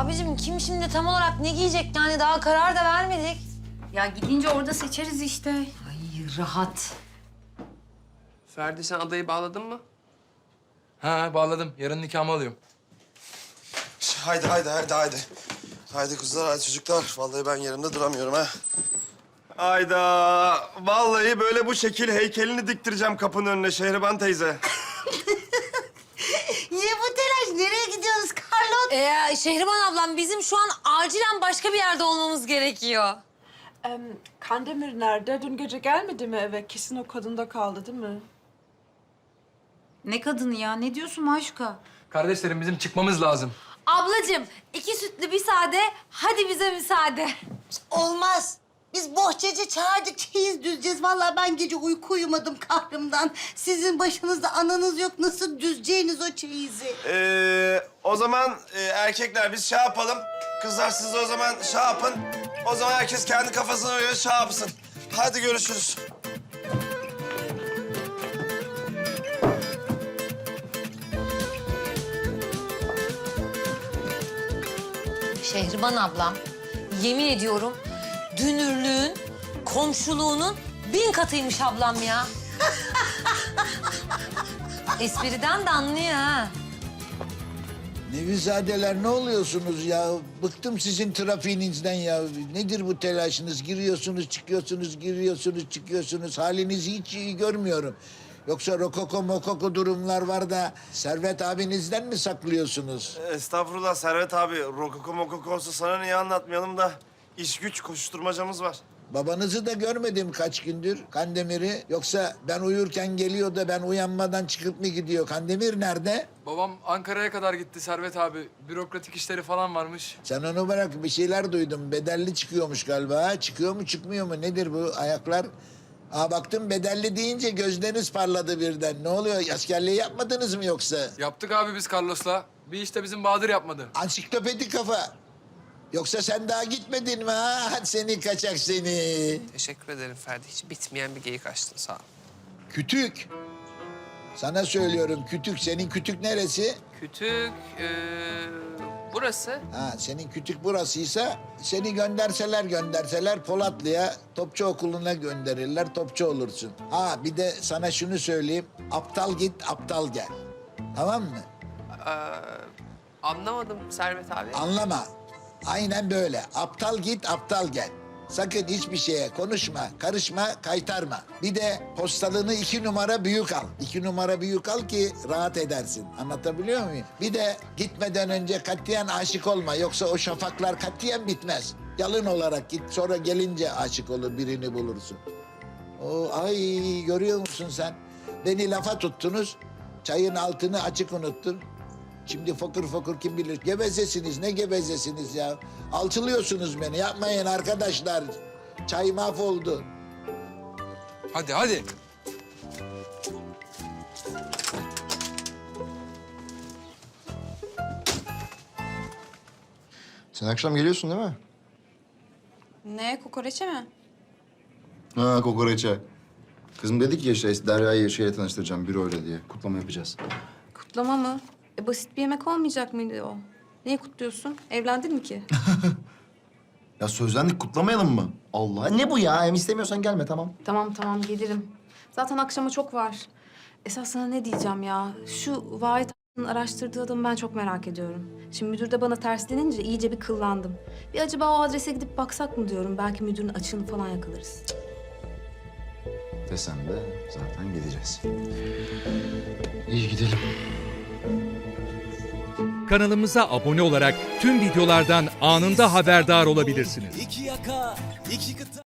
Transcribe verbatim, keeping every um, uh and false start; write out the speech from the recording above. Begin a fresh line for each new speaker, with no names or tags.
abicim kim şimdi tam olarak ne giyecek yani daha karar da vermedik.
Ya gidince orada seçeriz işte.
Ay rahat.
Ferdi sen adayı bağladın mı?
Ha bağladım. Yarın nikahımı alıyorum.
Haydi haydi haydi haydi. Haydi kızlar haydi çocuklar. Vallahi ben yerimde duramıyorum ha. Hayda. Vallahi böyle bu şekil heykelini diktireceğim kapının önüne Şehriban teyze.
Niye bu telaş? Nereye gidiyoruz Carlot?
Ee, Şehriban ablam bizim şu an acilen başka bir yerde olmamız gerekiyor.
Em, Kandemir nerede? Dün gece gelmedi mi eve? Kesin o kadında kaldı değil mi?
Ne kadını ya? Ne diyorsun Maşuka?
Kardeşlerim bizim çıkmamız lazım.
Ablacığım iki sütlü bir sade hadi bize müsaade.
Olmaz. Biz bohçacı çağırdık, çeyiz düzeceğiz. Vallahi ben gece uyku uyumadım kahrımdan. Sizin başınızda ananız yok. Nasıl düzeceğiniz o çeyizi?
Ee, o zaman e, erkekler biz şey yapalım. Kızlar siz de o zaman şey yapın. O zaman herkes kendi kafasına göre şey yapsın. Hadi görüşürüz.
Şehriban ablam yemin ediyorum dünürlüğün, komşuluğunun bin katıymış ablam ya. Espriden de anlıyor ha.
Nevizadeler ne oluyorsunuz ya? Bıktım sizin trafiğinizden ya. Nedir bu telaşınız? Giriyorsunuz, çıkıyorsunuz, giriyorsunuz, çıkıyorsunuz. Halinizi hiç iyi görmüyorum. Yoksa rokoko mokoko durumlar var da Servet abinizden mi saklıyorsunuz?
Estağfurullah Servet abi. Rokoko mokoko olsa sana niye anlatmayalım da iş güç koşuşturmacamız var.
Babanızı da görmedim kaç gündür Kandemir'i. Yoksa ben uyurken geliyor da ben uyanmadan çıkıp mı gidiyor? Kandemir nerede?
Babam Ankara'ya kadar gitti Servet abi. Bürokratik işleri falan varmış.
Sen onu bırak, bir şeyler duydum. Bedelli çıkıyormuş galiba. Ha? Çıkıyor mu çıkmıyor mu? Nedir bu ayaklar? Aa baktım bedelli deyince gözleriniz parladı birden. Ne oluyor? Askerliği yapmadınız mı yoksa?
Yaptık abi biz Carlos'la. Bir işte bizim Bahadır yapmadı.
Ansiklopedi kafa. Yoksa sen daha gitmedin mi ha? Hadi seni kaçak seni.
Teşekkür ederim Ferdi. Hiç bitmeyen bir geyik açtın sağ ol.
Kütük. Sana söylüyorum kütük. Senin kütük neresi?
Kütük, ee, burası.
Ha senin kütük burasıysa seni gönderseler gönderseler Polatlı'ya Topçu Okulu'na gönderirler. Topçu olursun. Ha bir de sana şunu söyleyeyim. Aptal git aptal gel. Tamam mı?
Ee, anlamadım Servet abi.
Anlama. Aynen böyle. Aptal git, aptal gel. Sakın hiçbir şeye konuşma, karışma, kaytarma. Bir de postalını iki numara büyük al. İki numara büyük al ki rahat edersin. Anlatabiliyor muyum? Bir de gitmeden önce katiyen aşık olma. Yoksa o şafaklar katiyen bitmez. Yalın olarak git, sonra gelince aşık olur, birini bulursun. O ay görüyor musun sen? Beni lafa tuttunuz, çayın altını açık unuttun. Şimdi fokur fokur kim bilir. Gevezesiniz, ne gevezesiniz ya? Alçılıyorsunuz beni, yapmayın arkadaşlar. Çay mahvoldu.
Hadi hadi.
Sen akşam geliyorsun değil mi?
Ne? Kokoreçe mi?
Ha kokoreçe. Kızım dedik ya işte Derya'yı şeyle tanıştıracağım büroyla diye. Kutlama yapacağız.
Kutlama mı? E, basit bir yemek olmayacak mıydı o? Neyi kutluyorsun? Evlendin mi ki?
Ya sözlendik kutlamayalım mı? Allah ne bu ya? Hem istemiyorsan gelme tamam.
Tamam tamam gelirim. Zaten akşama çok var. Esas sana ne diyeceğim ya? Şu Vahit a**'ın araştırdığı adamı ben çok merak ediyorum. Şimdi müdür de bana terslenince iyice bir kıllandım. Bir acaba o adrese gidip baksak mı diyorum. Belki müdürün açığını falan yakalarız.
Desen de zaten gideceğiz. İyi gidelim.
Kanalımıza abone olarak tüm videolardan anında haberdar olabilirsiniz.
İki yaka, iki kıta.